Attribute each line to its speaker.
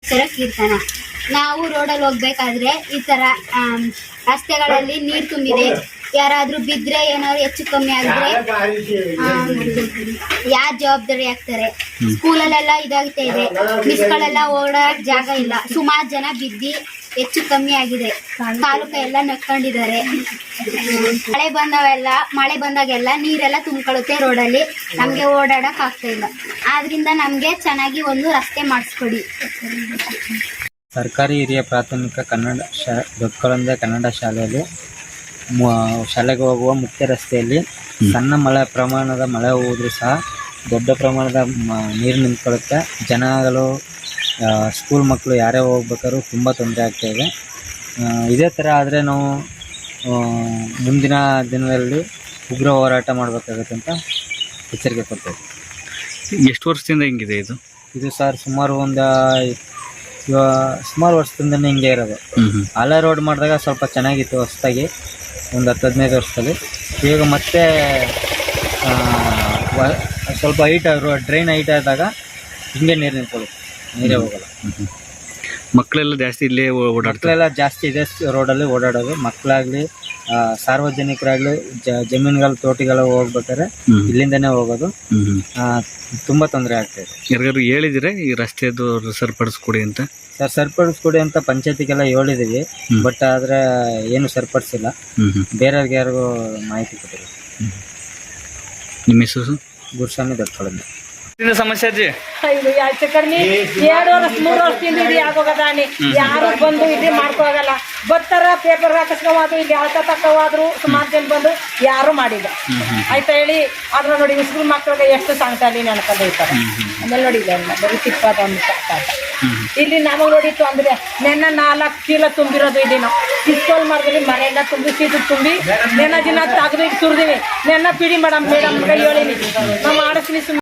Speaker 1: ತರ ಕೀರ್ತನ. ನಾವು ರೋಡಲ್ಲಿ ಹೋಗ್ಬೇಕಾದ್ರೆ ಈ ತರ ರಸ್ತೆಗಳಲ್ಲಿ ನೀರು ತುಂಬಿದೆ, ಯಾರಾದ್ರೂ ಬಿದ್ರೆ ಏನಾದ್ರು ಹೆಚ್ಚು ಕಮ್ಮಿ ಆಗಿದ್ರೆ ಯಾರು ಜವಾಬ್ದಾರಿ ಆಗ್ತಾರೆ? ಸ್ಕೂಲಲ್ಲೆಲ್ಲ ಇದಾಗ್ತಾ ಇದೆ, ಮಿಸ್ಗಳೆಲ್ಲ ಓಡಾಡಕ್ ಜಾಗ ಇಲ್ಲ, ಸುಮಾರು ಜನ ಬಿದ್ದಿ ಹೆಚ್ಚು ಕಮ್ಮಿ ಆಗಿದೆ, ಕಾಲುಕ ಎಲ್ಲ ನಕ್ಕೊಂಡಿದ್ದಾರೆ. ಮಳೆ ಬಂದಾಗೆಲ್ಲ ನೀರೆಲ್ಲ ತುಂಬಿಕೊಳ್ಳುತ್ತೆ ರೋಡಲ್ಲಿ, ನಮ್ಗೆ ಓಡಾಡಕ್ ಆಗ್ತಾ ಇಲ್ಲ. ಆದ್ರಿಂದ ನಮ್ಗೆ ಚೆನ್ನಾಗಿ ಒಂದು ರಸ್ತೆ ಮಾಡಿಸ್ಕೊಡಿ.
Speaker 2: ಸರ್ಕಾರಿ ಹಿರಿಯ ಪ್ರಾಥಮಿಕ ಕನ್ನಡ ದೊಡ್ಡಕೊಳಂದೆ ಕನ್ನಡ ಶಾಲೆಯಲ್ಲಿ ಶಾಲೆಗೆ ಹೋಗುವ ಮುಖ್ಯ ರಸ್ತೆಯಲ್ಲಿ ಸಣ್ಣ ಪ್ರಮಾಣದ ಮಳೆ ಹೋದ್ರೂ ಸಹ ದೊಡ್ಡ ಪ್ರಮಾಣದ ನೀರು ನಿಂತ್ಕೊಳ್ಳುತ್ತೆ. ಜನಗಳು ಸ್ಕೂಲ್ ಮಕ್ಕಳು ಯಾರೇ ಹೋಗ್ಬೇಕಾದ್ರೂ ತುಂಬ ತೊಂದರೆ ಆಗ್ತಾಯಿದೆ. ಇದೇ ಥರ ಆದರೆ ನಾವು ಮುಂದಿನ ದಿನದಲ್ಲಿ ಉಗ್ರ ಹೋರಾಟ ಮಾಡಬೇಕಾಗುತ್ತೆ ಅಂತ ಎಚ್ಚರಿಕೆ ಕೊಡ್ತೇವೆ.
Speaker 3: ಎಷ್ಟು ವರ್ಷದಿಂದ ಹಿಂಗಿದೆ
Speaker 2: ಇದು ಸರ್ ಸುಮಾರು ವರ್ಷದಿಂದನೇ ಹಿಂಗೆ ಇರೋದು. ಹಳೆ ರೋಡ್ ಮಾಡಿದಾಗ ಸ್ವಲ್ಪ ಚೆನ್ನಾಗಿತ್ತು ಹೊಸದಾಗಿ, ಒಂದು 10-15 ವರ್ಷದಲ್ಲಿ. ಈಗ ಮತ್ತೆ ಸ್ವಲ್ಪ ಡ್ರೈನ್ ಹೈಟ್ ಆದಾಗ ಹಿಂಗೆ ನೀರು ನಿಂತ್ಕೊಳ್ಳುತ್ತೆ, ನೀರೇ ಹೋಗಲ್ಲ.
Speaker 3: ಮಕ್ಕಳೆಲ್ಲ ಜಾಸ್ತಿ ಇಲ್ಲೇ
Speaker 2: ಮಕ್ಕಳೆಲ್ಲ ಜಾಸ್ತಿ ಇದೆ ರೋಡಲ್ಲಿ ಓಡಾಡೋದು. ಮಕ್ಕಳಾಗಲಿ ಸಾರ್ವಜನಿಕರಾಗಲಿ ಜಮೀನುಗಳು ತೋಟಗಳು ಹೋಗ್ಬೇಕಾದ್ರೆ ಇಲ್ಲಿಂದನೇ ಹೋಗೋದು. ತುಂಬ ತೊಂದರೆ ಆಗ್ತಾಯಿದೆ.
Speaker 3: ಯಾರಿಗಾರು ಹೇಳಿದ್ರೆ ಈ ರಸ್ತೆದು ಸರಿಪಡಿಸ್ಕೊಡಿ ಅಂತ?
Speaker 2: ಸರ್ ಸರಿಪಡಿಸ್ಕೊಡಿ ಅಂತ ಪಂಚಾಯತಿಗೆಲ್ಲ ಹೇಳಿದ್ದೀವಿ, ಬಟ್ ಆದರೆ ಏನು ಸರಿಪಡಿಸಿಲ್ಲ. ಬೇರೆಯವ್ರಿಗೆ ಯಾರಿಗೂ ಮಾಹಿತಿ ಕೊಟ್ಟಿಲ್ಲ.
Speaker 3: ನಿಮ್ಮ ಹೆಸರು?
Speaker 2: ಗುರುಸ್ವಾಮಿ ದೊಡ್ಡಕೊಳಂದೆ.
Speaker 3: ಸಮಸ್ಯೆ ಅಜ್ಜಿ
Speaker 4: ಇದು ಯಾಕೆ ಕರ್ಮಿ 2 ವರ್ಷ 3 ವರ್ಷದಿಂದ ಇದು ಆಗೋಗದಾನಿ. ಯಾರು ಬಂದು ಇದು ಮಾಡ್ಕೋಗಲ್ಲ. ಬರ್ತಾರ ಪೇಪರ್ ಹಾಕಿಸ್ಕೋದು, ಇಲ್ಲಿ ಅಳ್ತ ತಕ್ಕವಾದ್ರು ಸುಮಾರು ಜನ ಬಂದು ಯಾರು ಮಾಡಿಲ್ಲ ಆಯ್ತಾ ಹೇಳಿ. ಆದ್ರೆ ನೋಡಿ ಸ್ಕೂಲ್ ಮಕ್ಕಳಿಗೆ ಎಷ್ಟು ಸಾಂಗ್ತಾಲಿ ನೆನ್ಕೊಂಡು ಇರ್ತಾರೆ. ಆಮೇಲೆ ನೋಡಿ ಇಲ್ಲ ಬರೀ ತಿಪ್ಪದ ಒಂದು ಸಾಕಾಟ. ಇಲ್ಲಿ ನಮಗೆ ನೋಡಿತ್ತು ಅಂದ್ರೆ ನೆನ್ನ 4 ಚೀಲ ತುಂಬಿರೋದು. ಇಲ್ಲಿ ನಾವು ಸ್ಕೂಲ್ ಮಾಡಿದ್ವಿ, ಮನೆಯಿಂದ ತುಂಬಿ ಸೀಟು ತುಂಬಿ ನೆನ್ನ ದಿನ ತೆಗೆದು ಸುರಿದಿವಿ. ನೆನ್ನ ಪಿಡಿ ಮೇಡಮ್ ಕೈ ಹೇಳಿನಿ ನಾವು ಮಾಡಿಸ್ಲಿ.